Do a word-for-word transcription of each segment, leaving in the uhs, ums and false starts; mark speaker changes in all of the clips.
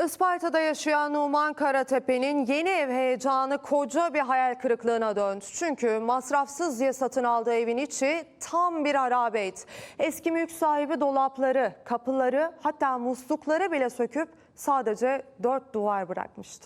Speaker 1: Isparta'da yaşayan Numan Karatepe'nin yeni ev heyecanı koca bir hayal kırıklığına döndü. Çünkü masrafsız diye satın aldığı evin içi tam bir harabeydi. Eski mülk sahibi dolapları, kapıları, hatta muslukları bile söküp sadece dört duvar bırakmıştı.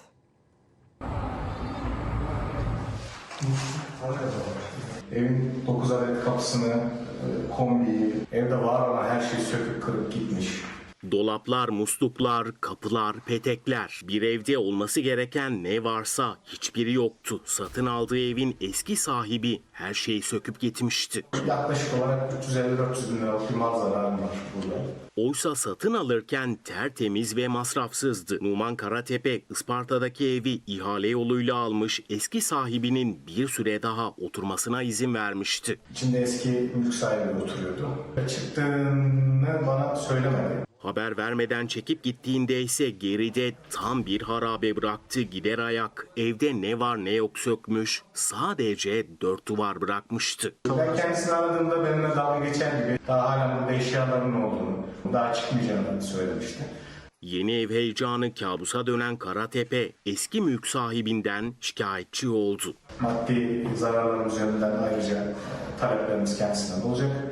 Speaker 2: Evin dokuz adet kapısını, kombiyi, evde var olan her şeyi söküp kırıp gitmiş.
Speaker 3: Dolaplar, musluklar, kapılar, petekler. Bir evde olması gereken ne varsa hiçbiri yoktu. Satın aldığı evin eski sahibi her şeyi söküp gitmişti.
Speaker 2: Yaklaşık olarak üç yüz elli dört yüz bin liralık bir mal zararım var burada.
Speaker 3: Oysa satın alırken tertemiz ve masrafsızdı. Numan Karatepe, Isparta'daki evi ihale yoluyla almış, eski sahibinin bir süre daha oturmasına izin vermişti.
Speaker 2: İçinde eski mülk sahibi oturuyordu. Çıktığını bana söylemedi.
Speaker 3: Haber vermeden çekip gittiğinde ise geride tam bir harabe bıraktı. Gider ayak, evde ne var ne yok sökmüş, sadece dört duvar bırakmıştı.
Speaker 2: Ben kendisini aradığımda benimle dalga geçer gibi daha hala burada eşyalarının olduğunu, daha çıkmayacağını söylemişti.
Speaker 3: Yeni ev heyecanı kabusa dönen Karatepe eski mülk sahibinden şikayetçi oldu.
Speaker 2: Maddi zararlarımız yönünden ayrıca taleplerimiz kendisinden olacak.